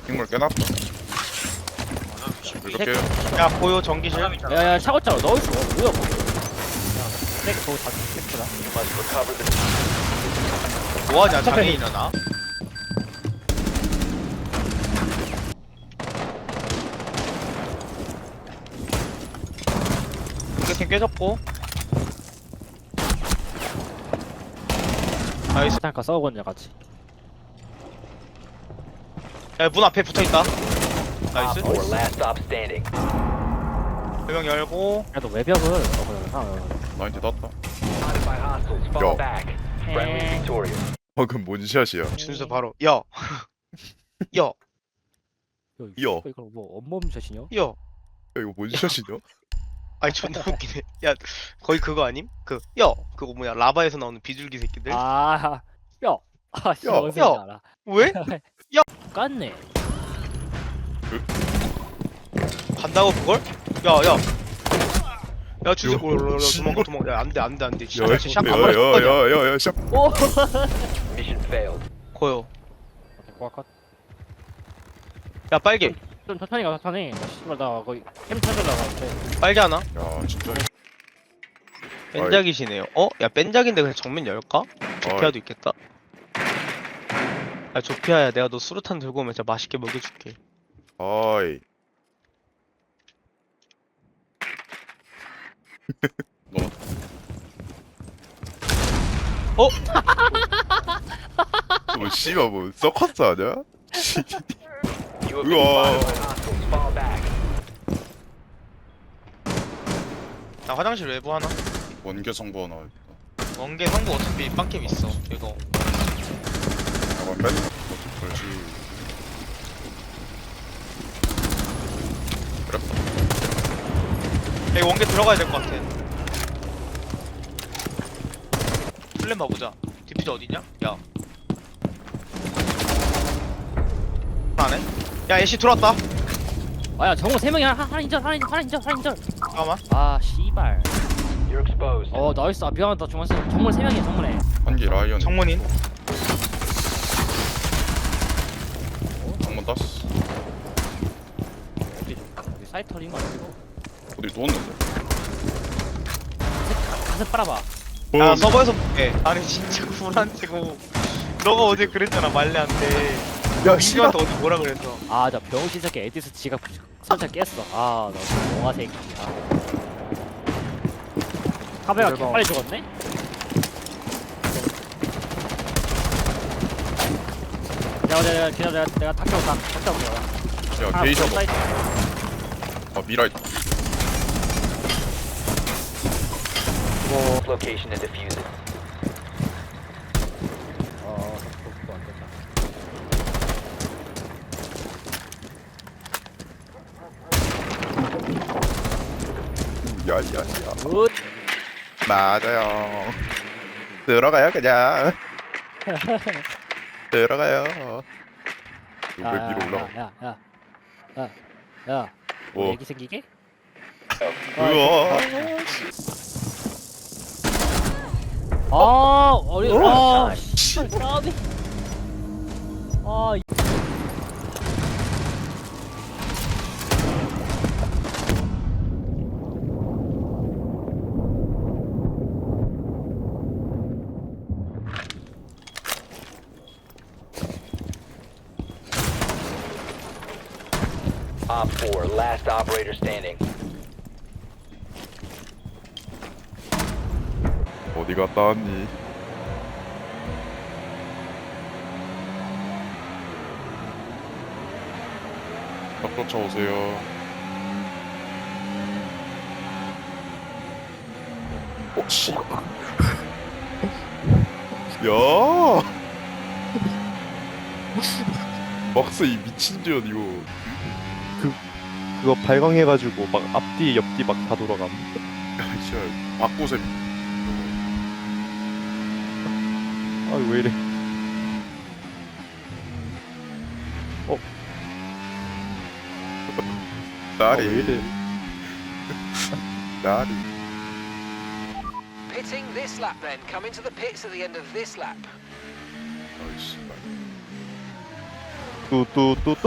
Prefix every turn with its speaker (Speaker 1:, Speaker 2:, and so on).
Speaker 1: 식물 깨놨다. 이렇게
Speaker 2: 야 보여 전기실.
Speaker 3: 야야 차고차로 넣을 수 없어. 뭐야 그거. nek 그거 다 넥구나.
Speaker 2: 뭐하냐 장애인아 나. 이렇게 깨졌고. 나이스.
Speaker 3: 잠깐 싸우거든요 같이.
Speaker 2: 야 문 앞에 붙어있다. 나이스.
Speaker 4: Op 4 last stop standing.
Speaker 2: 배경 열고.
Speaker 3: 야너 외벽을 그래.
Speaker 1: 나 이제 땄다.
Speaker 4: Spotted by hostiles. Fall
Speaker 1: Yo.
Speaker 4: back. Friendly victorious.
Speaker 1: 방금 뭔 샷이야?
Speaker 2: 준수 바로 야. 야.
Speaker 1: 여.
Speaker 3: 이거 뭐 온몸 샷이냐?
Speaker 2: 야.
Speaker 1: 야 이거 뭔 샷이냐?
Speaker 2: 아니 존나 웃기네. 야 거의 그거 아님? 그 야 그거 뭐야 라바에서 나오는 비둘기 새끼들.
Speaker 3: 아, 야, 아, 씨,
Speaker 1: 야,
Speaker 3: 어디서
Speaker 2: 야.
Speaker 3: 알아?
Speaker 2: 왜?
Speaker 3: 깠네.
Speaker 2: 간다고 그걸? 야야. 야 준수
Speaker 1: 요.
Speaker 2: 도망가 도망가. 야 안돼 안돼 안돼.
Speaker 1: 야야야야야야
Speaker 2: 진짜 샷 한번
Speaker 1: 샷.
Speaker 3: 오.
Speaker 4: Mission failed.
Speaker 2: 거요.
Speaker 3: 꽉.
Speaker 2: 야 빨개.
Speaker 3: 좀 천천히 가, 천천히. 씨발 나 거의 캠 찾으려고 하는데.
Speaker 2: 빨개 하나?
Speaker 1: 야 진짜.
Speaker 2: 뺀작이시네요. 어? 야 뺀작인데 그냥 정면 열까? 조피아도 있겠다. 야 조피아야 내가 너 수류탄 들고 오면 진짜 맛있게 먹여줄게.
Speaker 1: 아이.
Speaker 2: 어?
Speaker 1: 뭐 씨발 뭐 서커스 아니야?
Speaker 4: You have been
Speaker 1: 우와.
Speaker 4: spotted by hostiles. Fall back.
Speaker 2: 나 화장실 외부 하나?
Speaker 1: 원개 성부 하나 있다.
Speaker 2: 원개 상부 어차피 빵캠 있어. 이거
Speaker 1: 약간 뺀. 그렇지. 그래.
Speaker 2: 야 원개 들어가야 될 것 같아. 플랜 봐보자. 디퓨저 어디냐? 야 안해? 야 애쉬 들어왔다.
Speaker 3: 아야 정우 3명이 하나 인절.
Speaker 2: 잠깐만.
Speaker 3: 아 씨발.
Speaker 4: You're exposed.
Speaker 3: 나이스. 아 미안하다 정말 정말 3명이야 정말에.
Speaker 1: 한개 라이언.
Speaker 2: 정문인.
Speaker 1: 한번 땄어.
Speaker 3: 여기 사이터인 거 아니고?
Speaker 1: 어디 누웠는데?
Speaker 3: 가슴 빨아봐.
Speaker 2: 야 서버에서 볼게. 아니 진짜 불안치고. 너가 어제 그랬잖아 말레한테.
Speaker 1: 야
Speaker 2: 민규한테 어제 뭐라 그랬어?
Speaker 3: 아 나 병신 새끼 에디스 지갑 살짝 깼어. 아나 영화 새끼야. 카베가
Speaker 2: 대박.
Speaker 3: 빨리 죽었네? 내가 탁해온다.
Speaker 1: 야 게이셔 봐. 아 미라이.
Speaker 4: Location and defuse it.
Speaker 3: 그거 안 된다.
Speaker 1: 야야야.
Speaker 3: 굿.
Speaker 1: 맞아요. 들어가요 그냥. 들어가요. 왜 위로 올라가?
Speaker 3: 야.
Speaker 1: 뭐?
Speaker 3: 애기 생기게?
Speaker 1: 우와.
Speaker 3: 씨발 까비. 아.
Speaker 4: Op 4 last operator standing.
Speaker 1: 어디 갔다 왔니? 딱 쫓아오세요. 씨. 야. 막스 이 미친 전 이거.
Speaker 5: 그거 발광해가지고 막 앞뒤 옆뒤 막 다 돌아감.
Speaker 1: 야, 진짜 박고셈.
Speaker 5: 아 왜 이래?
Speaker 1: 나리.
Speaker 5: 왜 이래?
Speaker 1: 나리.
Speaker 6: Pitting this lap then. Come into the pits at the end of this lap.
Speaker 1: 아이씨.
Speaker 5: 뚜뚜뚜